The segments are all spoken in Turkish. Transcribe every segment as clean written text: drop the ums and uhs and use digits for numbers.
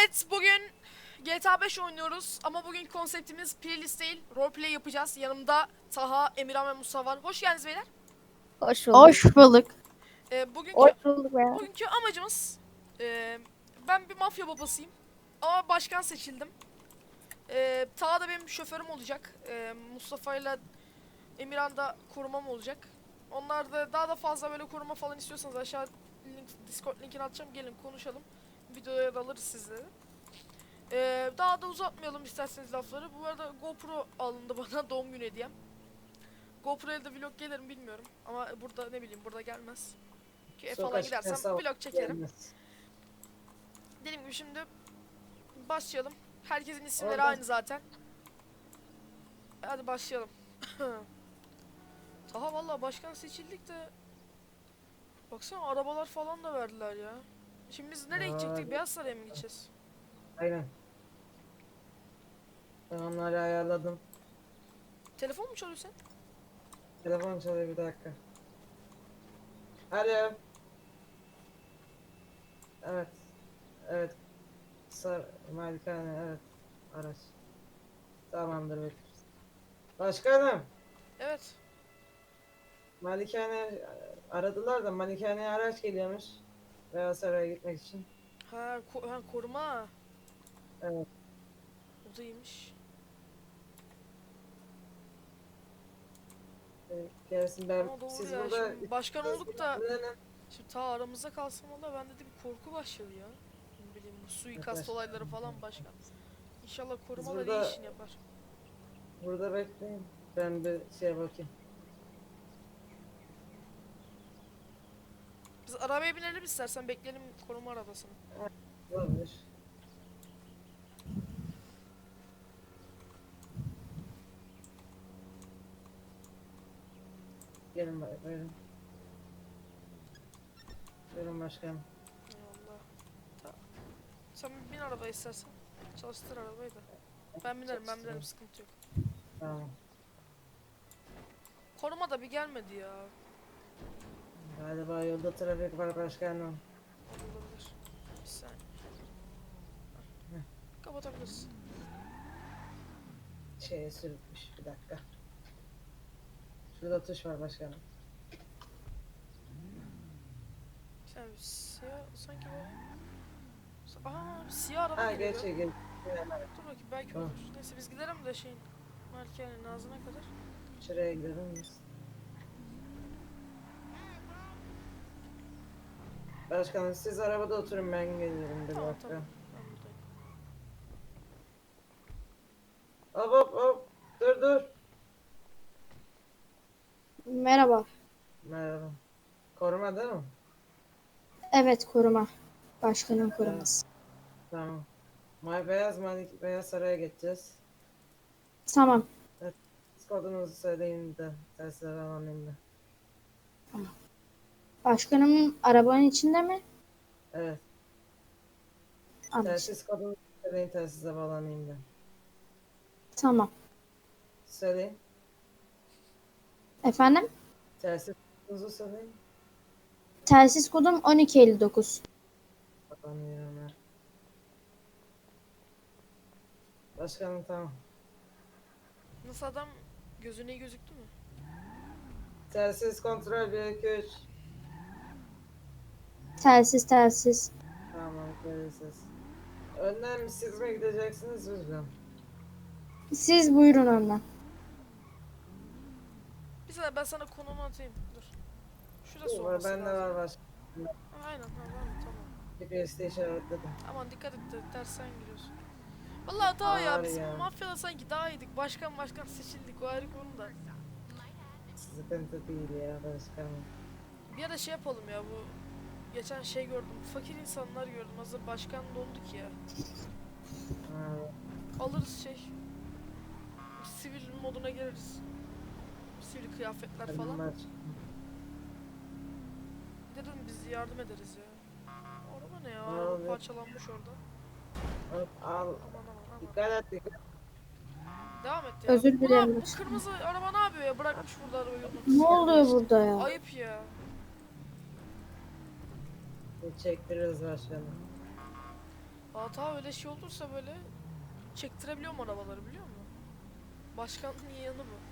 Evet, bugün GTA 5 oynuyoruz ama bugün konseptimiz playlist değil, roleplay yapacağız. Yanımda Taha, Emirhan ve Musa var. Hoş geldiniz beyler. Hoş bulduk. Hoş bulduk. Ee, bugünkü Hoş bulduk ya. bugünkü amacımız, ben bir mafya babasıyım ama başkan seçildim. Taha da benim şoförüm olacak. Mustafa ile Emirhan da korumam olacak. Onlar da daha da fazla böyle koruma falan istiyorsanız aşağı Discord linkini atacağım. Gelin konuşalım. Videoya da alırız sizleri. Daha da uzatmayalım isterseniz lafları. Bu arada GoPro alındı bana doğum günü hediyem. GoPro'ya da vlog gelir mi bilmiyorum. Ama burada ne bileyim burada gelmez. Ki falan Sokak gidersem hesabı vlog çekerim. gelmez. Dediğim gibi şimdi başlayalım. Herkesin isimleri Orada aynı zaten. Hadi başlayalım. Daha vallahi başkan seçildik de baksana arabalar falan da verdiler ya. Şimdi biz nereye gidecektik? Beyaz Saray'a mı gideceğiz? aynen. Ben onları ayarladım. Telefon mu çalıyor sen? Telefon çalıyor, bir dakika. Alo. Evet. Evet. Malikane, evet. Araç. Tamamdır, bekleriz. Başkanım. Evet. Malikane aradılar da Malikane'ye araç geliyormuş. Beyaz Saray'a gitmek için. Ha, koruma. Evet. O da iyiymiş. Gelsin ben. Ama doğru Siz ya, burada şimdi başkan olduk da dinlenin. şimdi ta aramızda kalsam valla bende de bir korku başladı ya. Ne bileyim bu suikast olayları falan başkan. İnşallah Siz korumalar iyi burada işini yapar. bekleyin. Ben bir şeye bakayım. Biz arabaya binelim istersen bekleyelim koruma arabasını. Olabilir. Gelin buyurun. Buyurun başkanım. Eyvallah. Ta sen bin arabaya istersen. Çalıştır arabayı da. Ben binerim sıkıntı yok. Tamam. Koruma da bir gelmedi ya. Galiba yolda trafik var başkanım. Olabilir. Bir saniye. Kapatabiliriz. Şeye sürükmüş, bir dakika. Şurada tuş var başkanım. Sen siyah sanki bu. Aa, bir siyah araba Ha geliyor. geçiyor geç. Dur bakayım belki olur. Neyse biz gidelim de şeyin Malikane'nin ağzına kadar. Şuraya gidelim biz. Başkanım siz arabada oturun, ben gelirim bir Tamam dakika. tamam. Ben buradayım. Hop hop hop. Dur dur. Merhaba. Merhaba. Koruma değil mi? Evet, koruma. Başkanın Evet. koruması. Tamam. Beyaz Saray'a geçeceğiz. Tamam. Evet. Siz kodunuzu söyleyin de tersine alayım da. Başkanım arabanın içinde mi? Evet. Anlaşıldı. Telsiz kodunuzu söyleyin, telsize bağlanayım da. Tamam. Söyleyin. Efendim? Telsiz kodunuzu söyleyin. Telsiz kodum 1259. Bağlanıyorum ben. Başkanım tamam. Nasıl adam gözüne iyi gözüktü mü? Telsiz kontrol 1 2 3. Telsiz. Tamam, telsiz. Önden siz mi gideceksiniz biz mi? Siz buyurun önden. Bir saniye ben sana konumu atayım. Dur. Şurası Var, olması bende lazım. var başkanım. Aynen var mı? Tamam. GPS'te işaretledim. Aman dikkat et de tersten giriyorsun. Vallahi daha ya Var biz ya. mafyada sanki daha iyiydik. Başkan seçildik o ayrı konu da. Sıkıntı değil ya başkanım. Bir ara şey yapalım ya bu. Geçen şey gördüm. Fakir insanlar gördüm. Hazır başkan donduk ya. Ha, Alırız şey. Sivil moduna gireriz. Sivil kıyafetler benim falan. baş... Dedim biz yardım ederiz ya. O araba ne ya? Ne Araba oluyor? parçalanmış orada. Hop, al. Aman. Dikkat et dikkat. Devam et ya. Özür dilerim Bu başkanım. kırmızı araba ne yapıyor ya? Bırakmış burada arabayı yolun Ne ortasına. oluyor burada ya? Ayıp ya. Çektiririz başkanım. Hata öyle şey olursa böyle çektirebiliyorum arabaları biliyor musun? Başkanın iyi yanı bu.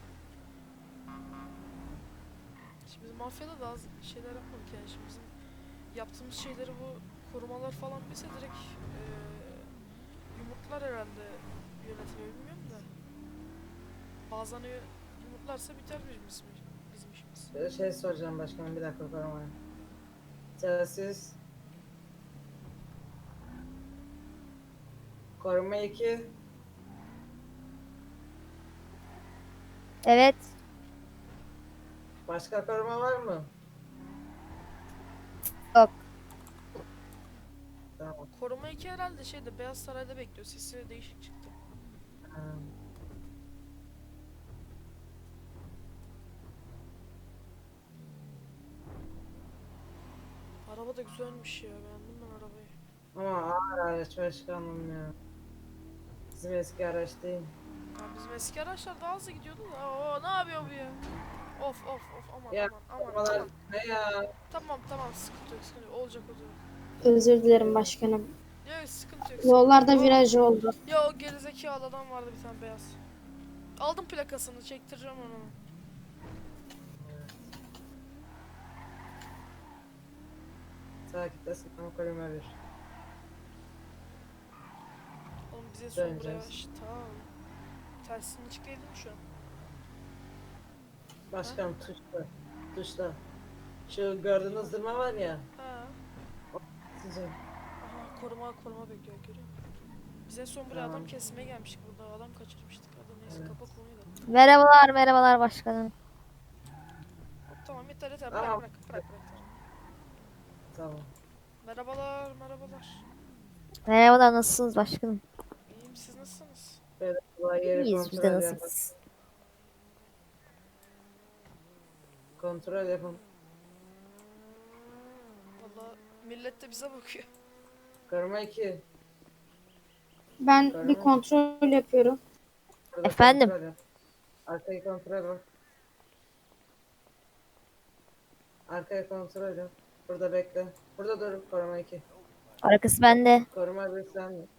Şimdi biz mafyada da az şeyler yapmadık yani şimdi bizim yaptığımız şeyleri bu korumalar falan bilse direkt yumurtlar herhalde yönetimi bilmiyorum da. Bazen yumurtlarsa biter bizim işimiz. Şey soracağım başkanım, bir dakika korumaya. Telsiz. Koruma 2. Evet. Başka koruma var mı? Yok. Tamam. Koruma 2 herhalde şeyde Beyaz Saray'da bekliyor. Sesi değişik çıktı. Ha. Araba da güzelmiş ya. Beğendim ben arabayı. Ama ağır araç başkanım ya. Bizim eski araç değil. Ya bizim eski araçlar daha hızlı gidiyordu da. Oo, ne yapıyor bu ya? Of of of aman Ya, aman korumalar aman. ne ya? Tamam sıkıntı yok sıkıntı yok. Olacak. Özür dilerim başkanım. Yok sıkıntı yok. Yollarda yok. viraj oldu. Ya o gerizekalı adam vardı bir tane beyaz. Aldım plakasını çektireceğim onu. Takiptesin ama koruma 1. Oğlum bize son buraya. Döneceğiz. Şşt, tamam. Tersini açık değil mi şu an? Başkanım tuşla. Tuşla. Şu gördüğünüz zırma var ya. Ha. Sizin. Aha koruma bekliyor görüyor musun? Bize son buraya Tamam. adam kesmeye gelmiştik burada adam kaçırmıştık. Hadi neyse Evet. kapa konuyu da. Merhabalar başkanım. Tamam yeter Tamam. bırak. Tamam. Merhabalar. Merhabalar, nasılsınız başkanım? İyiyim siz nasılsınız? Böyle kolay yeri İyiyiz, biz kontrol de yapın. nasılsınız? Kontrol yapın. Valla millet de bize bakıyor. Koruma 2. Ben bir kontrol yapıyorum. Burada Efendim? kontrol yap. Arkayı kontrol bak. Arkayı kontrol yap. Burada bekle. Burada dur. Koruma 2. Arkası bende. Koruma 1 sen de.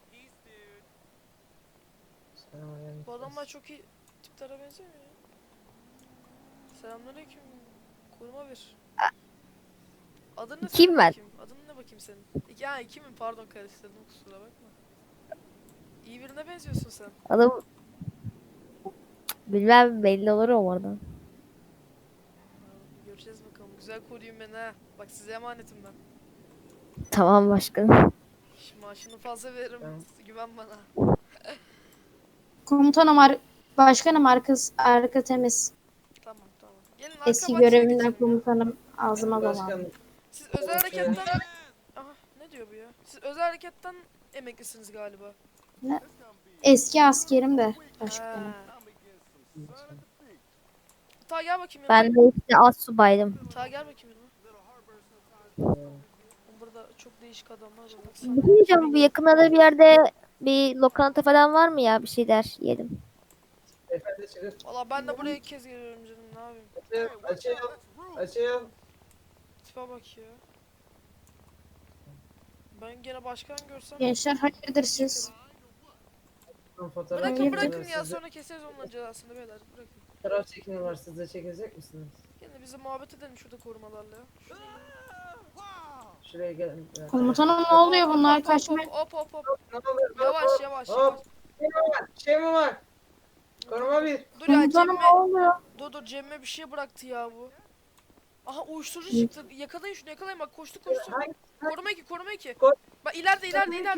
Selamünaleyküm. Bu adamlar çok iyi tiplere benzemiyor ya. Selamünaleyküm. Koruma bir. Adın ne Kim senin ben? bakayım? Adın ne bakayım senin? Ya kimim pardon karıştırdım kusura bakma. İyi birine benziyorsun sen. Adım bilmem, belli olur o oradan. Göreceğiz bakalım. Güzel koruyun beni ha. Bak size emanetim ben. Tamam başkanım. Şimdi maaşını fazla veririm. Tamam. Güven bana. Komutanım başkanım arka temiz. Tamam. Gelin arka Eski bahçeye görevimden geçelim ya. komutanım ağzıma dolandı. Başkanım. Siz özel hareketten... Aha ne diyor bu ya? Siz özel hareketten emeklisiniz galiba. Eski askerim de başkanım. Ha. Ta gel bakayım yanıma. Ben de işte astsubaydım. Ta gel bakayım yanıma. Burada çok değişik adamlar var. Baksana. Bir şey diyeceğim, bu yakınlarda bir yerde bir lokanta falan var mı ya, bir şeyler yiyelim. Efendi çıkır. Valla ben de buraya ilk kez geliyorum canım ne yapayım. Açayım. Tipe bak ya. Ben gene başkan görsem... Gençler hayırdır siz? Fotoğraf Bırakın çekiniyor. ya Siz de- sonra keseriz onların cezasını beyler bırakın. Fotoğraf çekini var. Siz de çekecek misiniz? Gene bize muhabbet edelim şurada korumalarla ya. Şuraya gelin. Bir dakika. Komutanım ne oluyor bunlar kaçma? Hop. Ne olur? Yavaş. Hop. Şey mi var? Koruma 1. Dur ya Komutanım Cem'e... ne oluyor? Dur Cem'e bir şey bıraktı ya bu. Aha uyuşturucu çıktı. Yakalayın şunu yakalayın bak koştu. Hangi? Koruma 2. Koş. Bak ileride.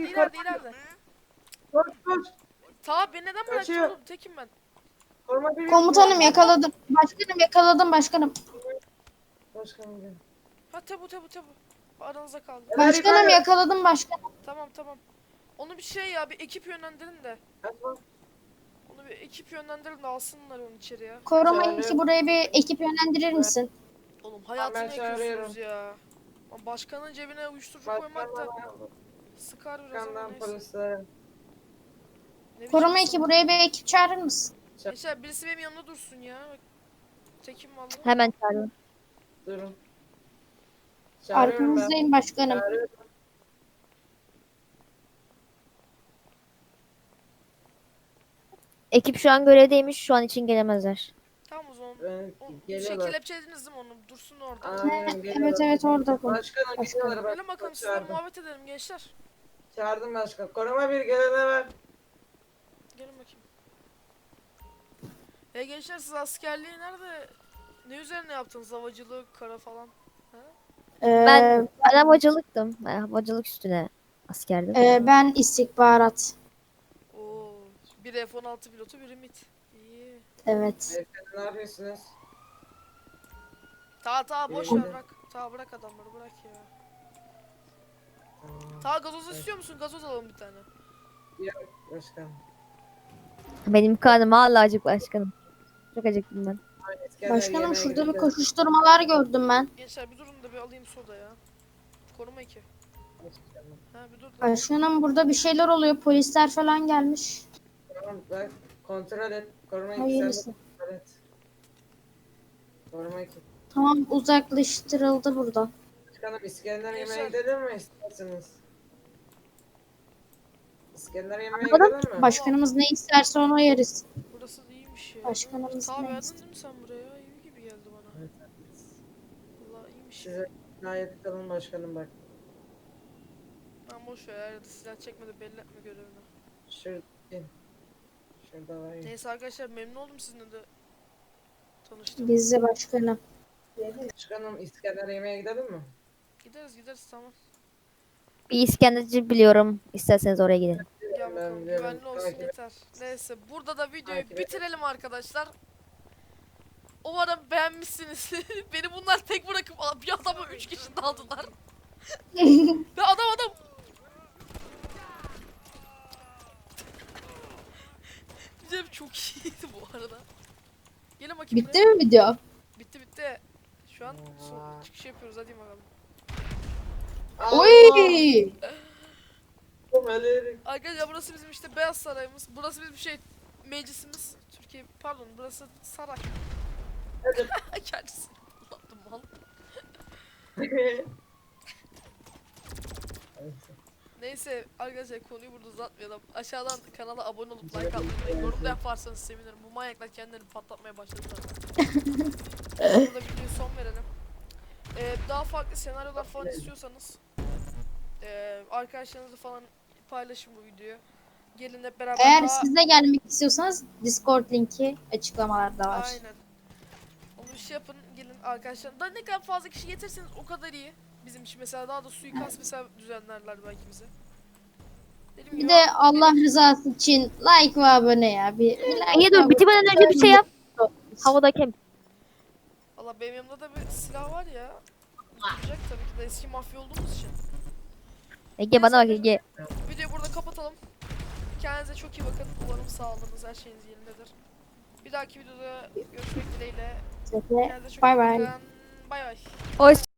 Koş. Ta beni neden bıraktın Kaçıyor. oğlum tekim ben. Koruma 1. Komutanım yakaladım. Yakaladım başkanım. Başkanım gel. Ha tabu. Aranızda kaldı. Başkanım yakaladım başkanım. Tamam. Onu bir şey ya bir ekip yönlendirin de. Açma. Onu bir ekip yönlendirin de alsınlar onu içeri ya. Koruma Çağırıyorum. 2 buraya bir ekip yönlendirir misin? Oğlum hayatını Ben çağırıyorum. yakıyorsunuz ya. Lan başkanın cebine uyuşturucu koymak da Başkanım. sıkar biraz ama Başkandan neyse. polislere. Ne biçim Koruma 2 insan- buraya bir ekip çağırır mısın? Gençler birisi benim yanımda dursun ya. Bak, tekim vallahi. Hemen çağırıyorum. Durun. Çağırıyorum ben. Arkanızdayım başkanım. Çağırıyorum. Ekip şu an görevdeymiş. Şu an için gelemezler. Tamam o zaman. Ben O, şey geliyorlar. kelepçelediniz değil mi onu? Dursun orada. Aynen geliyorlar. Evet orada konuş. Başkanım Başkanım. geliyorlar bak. Gelin bakalım sizle Çağırdım. muhabbet edelim gençler. Çağırdım başkan. Koruma bir gelene ver. Gelin bakayım. Gençler siz askerliği nerede? Ne üzerine yaptınız? Havacılık, kara falan. Ha? Ben havacılıktım. Ben havacılık üstüne askerdim. Ben istihbarat. Oo, biri F-16 pilotu, biri MIT. İyi. Evet. Beyefendi ne yapıyorsunuz? Ta boş İyi. ver bırak. Bırak adamları bırak ya. Tamam. Gazoz istiyor musun? Gazoz alalım bir tane. Yok başkan. Benim karnım hala acık başkanım. Çok acıktım ben. İskender Başkanım yemeğe şurada bir gidelim. koşuşturmalar gördüm ben. Gençler bir durun da bir alayım soda ya. Koruma 2. Başkanım. Ha bir dur da. Başkanım burada bir şeyler oluyor. Polisler falan gelmiş. Tamam bak kontrol et. Koruma iki sen Hayırlısı. de kontrol et. Koruma iki. Tamam uzaklaştırıldı burada. Başkanım İskender Yaşar. yemeğe gidelim mi isterseniz? İskender yemeğe Anlamadım. gidelim mi? Başkanımız ne isterse onu yeriz. Burası iyiymiş ya. Başkanımız Ta ne beğendin ister? değil mi sen buraya? İyi gibi geldi bana. Evet, evet. Vallahi iyiymiş. Size gayet kalın başkanım bak. Ben boş ver ya da silah çekmedi belli etme görevini. Şurada. Şurada var ya. Neyse arkadaşlar memnun oldum sizinle de tanıştım. Biz de başkanım. Başkanım İskender yemeğe gidelim mi? Gideriz tamam. Bir İskenderci biliyorum. İsterseniz oraya gidelim. Gel bakalım biliyorum. güvenli olsun Takip et. yeter. Neyse burada da videoyu Takip et. bitirelim arkadaşlar. Umarım beğenmişsiniz. Beni bunlar tek bırakıp bir adamı 3 kişi daldılar. Ve adam. Güzel çok iyiydi bu arada. Gelin bakayım Bitti mi video? Bitti. Şu an Aa. çıkış yapıyoruz hadi bakalım. Oy! Meleğim. Arkadaşlar burası bizim işte Beyaz Sarayımız. Burası bizim meclisimiz. Türkiye pardon burası saray. Kendisi. Ulan mal. Neyse arkadaşlar konuyu burada uzatmayalım. Aşağıdan kanala abone olup like atmayı, yorum da yaparsanız sevinirim. Bu manyaklar kendilerini patlatmaya başladı zaten. Burada videoya son verelim. Daha farklı senaryolar falan istiyorsanız arkadaşlarınızla falan paylaşın bu videoyu. Gelin hep beraber Eğer siz de gelmek istiyorsanız Discord linki açıklamalarda var. Aynen. Onu bir şey yapın gelin arkadaşlar. Da ne kadar fazla kişi getirseniz o kadar iyi. Bizim için mesela daha da suikast mesela düzenlerler belki bize. Dediğim Bir gibi de Allah rızası için like ve abone ya. Bir like İyi ve dur abone. bitirmeden önce bir şey yap. Havadayken. Allah benim yanımda da bir silah var ya. Olacak tabii ki de eski mafya olduğumuz için. Ege bana bak Ege. Videoyu burada kapatalım. Kendinize çok iyi bakın. Umarım sağlığınız her şeyiniz yerindedir. Bir dahaki videoda görüşmek dileğiyle. Kendinize çok Bye iyi bye. bakın. Bay bay. Hoş